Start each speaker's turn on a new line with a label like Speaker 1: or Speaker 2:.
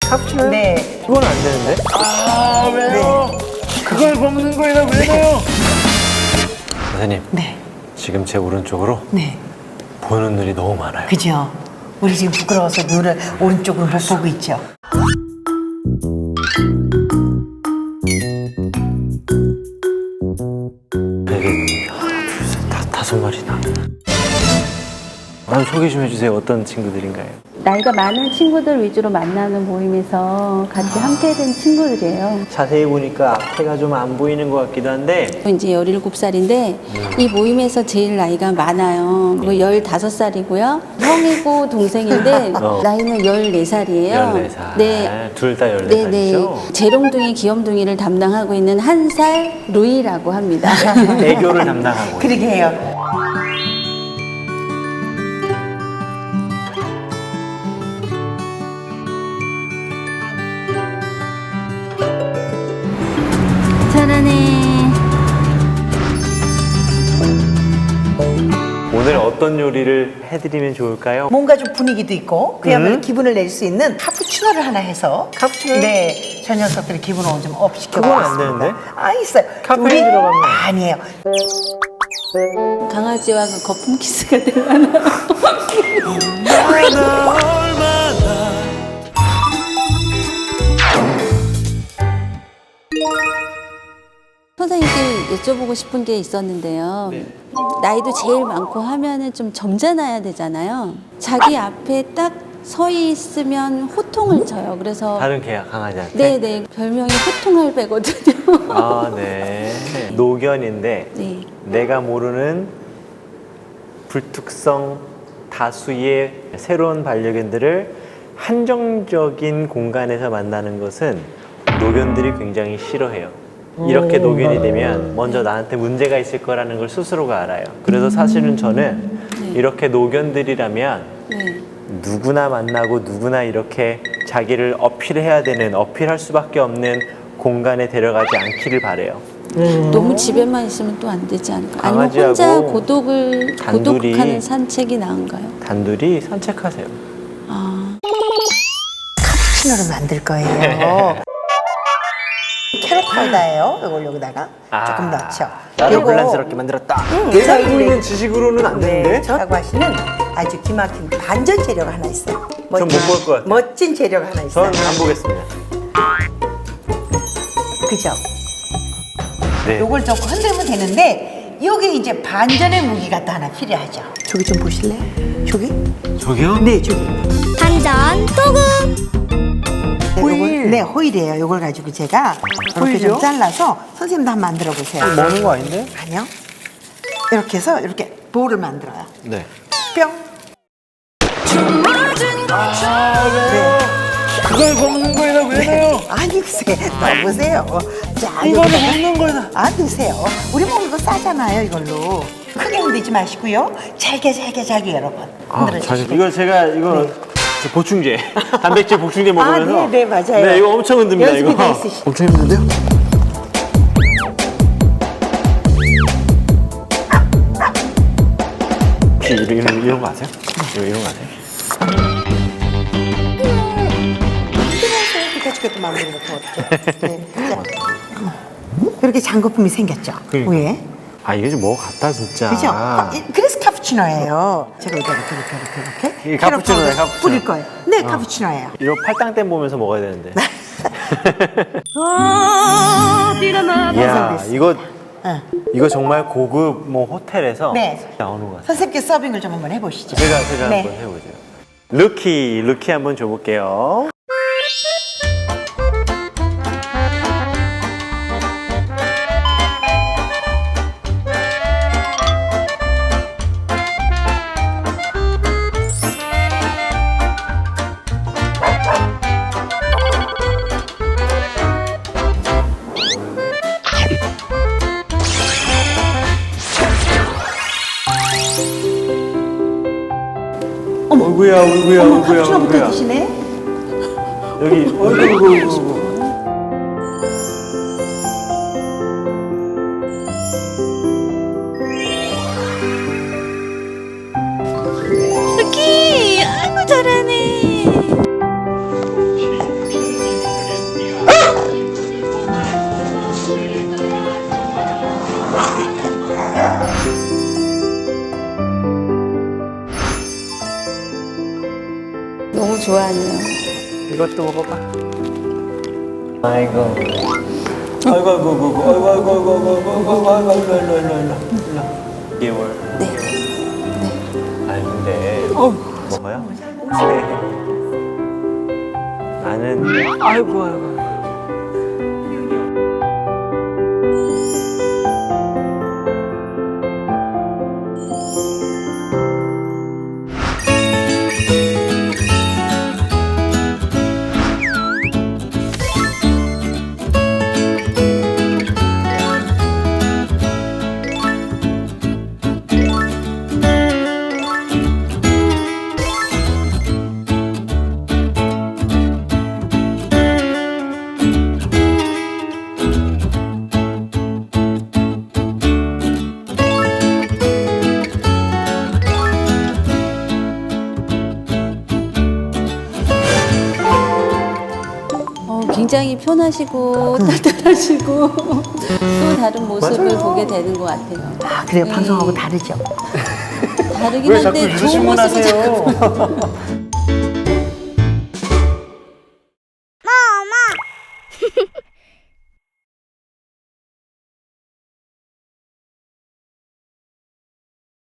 Speaker 1: 카푸치노요?
Speaker 2: 네.
Speaker 1: 그건 안 되는데?
Speaker 3: 아, 왜요? 그걸 먹는 거에다 왜 넣어요?
Speaker 1: 선생님,
Speaker 2: 네.
Speaker 1: 지금 제 오른쪽으로
Speaker 2: 네.
Speaker 1: 보는 눈이 너무 많아요.
Speaker 2: 그죠? 우리 지금 부끄러워서 눈을 오른쪽으로 못 보고 있죠.
Speaker 1: 이게 하나, 둘, 셋, 다섯 마리나. 소개 좀 해주세요. 어떤 친구들인가요?
Speaker 4: 나이가 많은 친구들 위주로 만나는 모임에서 같이 함께 된 친구들이에요.
Speaker 1: 자세히 보니까 앞에가 좀 안 보이는 것 같기도 한데
Speaker 4: 이제 17살인데 이 모임에서 제일 나이가 많아요. 15살이고요. 형이고 동생인데 나이는 14살이에요.
Speaker 1: 14살.
Speaker 4: 네.
Speaker 1: 둘 다
Speaker 4: 네네.
Speaker 1: 14살이죠?
Speaker 4: 재롱둥이 귀염둥이를 담당하고 있는 1살 루이라고 합니다.
Speaker 1: 애교를 담당하고.
Speaker 2: 그러게 해요.
Speaker 4: 잘하네.
Speaker 1: 오늘 어떤 요리를 해드리면 좋을까요?
Speaker 2: 뭔가 좀 분위기도 있고 그야말로 기분을 낼 수 있는 카푸치노를 하나 해서
Speaker 1: 카푸치노요?
Speaker 2: 네, 저 녀석들의 기분을 좀 업
Speaker 1: 그건
Speaker 2: 시켜보겠습니다.
Speaker 1: 안 되는데?
Speaker 2: 아, 있어요.
Speaker 1: 카페인 들어가면.
Speaker 2: 아니에요.
Speaker 4: 강아지와 그 거품 키스가 되려나? 선생님께 여쭤보고 싶은 게 있었는데요. 나이도 제일 많고 하면은 좀 점잖아야 되잖아요. 자기 앞에 딱 서 있으면 호통을 쳐요. 그래서
Speaker 1: 다른 개야, 강아지한테?
Speaker 4: 네네 별명이 호통할배거든요.
Speaker 1: 아, 네. 노견인데
Speaker 4: 네.
Speaker 1: 내가 모르는 불특성 다수의 새로운 반려견들을 한정적인 공간에서 만나는 것은 노견들이 굉장히 싫어해요. 이렇게 노견이 되면 먼저 나한테 문제가 있을 거라는 걸 스스로가 알아요. 그래서 사실은 저는 이렇게 노견들이라면
Speaker 4: 네.
Speaker 1: 누구나 만나고 누구나 이렇게 자기를 어필해야 되는, 어필할 수밖에 없는 공간에 데려가지 않기를 바래요.
Speaker 4: 너무 집에만 있으면 또 안 되지 않을까? 아니면
Speaker 1: 강아지하고
Speaker 4: 혼자
Speaker 1: 단둘이
Speaker 4: 고독하는 산책이 나은가요?
Speaker 1: 단둘이 산책하세요.
Speaker 4: 아,
Speaker 2: 카푸치노를 만들 거예요. 캐럿 파우더예요. 이걸 여기다가 조금 넣죠.
Speaker 1: 나를 혼란스럽게 만들었다. 내가 알고 있는 지식으로는 안 되는데?
Speaker 2: 네, 저라고 하시는 아주 기막힌 반전 재료가 하나 있어요.
Speaker 1: 전 못 볼 것 같아요.
Speaker 2: 멋진 재료가 하나 있어요.
Speaker 1: 전 안 보겠습니다.
Speaker 2: 그죠?
Speaker 1: 네.
Speaker 2: 요걸 좀 흔들면 되는데 요게 이제 반전의 무기가 또 하나 필요하죠. 저기 좀 보실래요? 저기?
Speaker 1: 저기요?
Speaker 2: 네, 저기.
Speaker 5: 반전 또금
Speaker 2: 호일. 네, 호일이에요. 요걸 가지고 제가 이렇게
Speaker 1: 호일이요?
Speaker 2: 좀 잘라서 선생님도 한번 만들어 보세요.
Speaker 1: 먹는 거 아닌데?
Speaker 2: 아니요. 이렇게 해서 이렇게 볼을 만들어요.
Speaker 1: 네.
Speaker 2: 뿅.
Speaker 3: 그걸 먹는 거에다 왜 넣어요?
Speaker 2: 아니 글쎄 넣어보세요. 자,
Speaker 3: 이거를
Speaker 2: 여기다가
Speaker 3: 먹는 거에다.
Speaker 2: 안 드세요. 우리 먹는 거 싸잖아요, 이걸로. 크게 흔들지 마시고요. 잘게 여러분. 흔들어 주시고.
Speaker 1: 이거 제가 저 보충제, 단백질 보충제 먹으면서.
Speaker 2: 네, 맞아요.
Speaker 1: 네, 이거 엄청 흔듭니다.
Speaker 2: 연습이
Speaker 1: 이거.
Speaker 2: 돼 있으시-
Speaker 1: 엄청 힘든데요? 혹시 이런 거 아세요? 이런 거 아세요?
Speaker 2: 그것도 마무리 못하고 어떡해. 네. 자, 이렇게 장거품이 생겼죠,
Speaker 1: 그러니까.
Speaker 2: 위에.
Speaker 1: 아, 이게 좀 뭐 같다, 진짜.
Speaker 2: 그죠? 그래서 카푸치노예요. 제가 이렇게
Speaker 1: 이게 카푸치노예요,
Speaker 2: 캐럿 파우더
Speaker 1: 카푸치노.
Speaker 2: 뿌릴 거예요. 네, 카푸치노예요.
Speaker 1: 이거 팔당댐 보면서 먹어야 되는데. 이야,
Speaker 2: 응.
Speaker 1: 이거 정말 고급 호텔에서
Speaker 2: 네.
Speaker 1: 나오는 것 같아요.
Speaker 2: 선생님께 서빙을 좀 한번 해보시죠.
Speaker 1: 제가
Speaker 2: 네.
Speaker 1: 한번 해보죠. 루키 한번 줘볼게요. 어이구야.
Speaker 2: 어머, 카푸치노부터 드시네?
Speaker 1: 여기, 어이구.
Speaker 5: 루키 아이고 잘하네
Speaker 1: 이것도 먹어봐. 아이고. 아이고, 아이고, 아이고, 아이고, 아이고, 아이고, 아이고, 아이고, 아이고, 일로. 2개월.
Speaker 4: 네. 네.
Speaker 1: 아니, 근데. 먹어요? 네. 나는. 아이고, 아이고.
Speaker 4: 굉장히 편하시고 따뜻하시고 또 다른 모습을 보게 되는 것 같아요.
Speaker 2: 아, 그래요?
Speaker 4: 네.
Speaker 2: 방송하고 다르죠?
Speaker 4: 다르긴
Speaker 3: 왜 자꾸
Speaker 4: 한데
Speaker 3: 이런
Speaker 4: 좋은
Speaker 3: 질문
Speaker 4: 모습을 자꾸
Speaker 3: 하세요?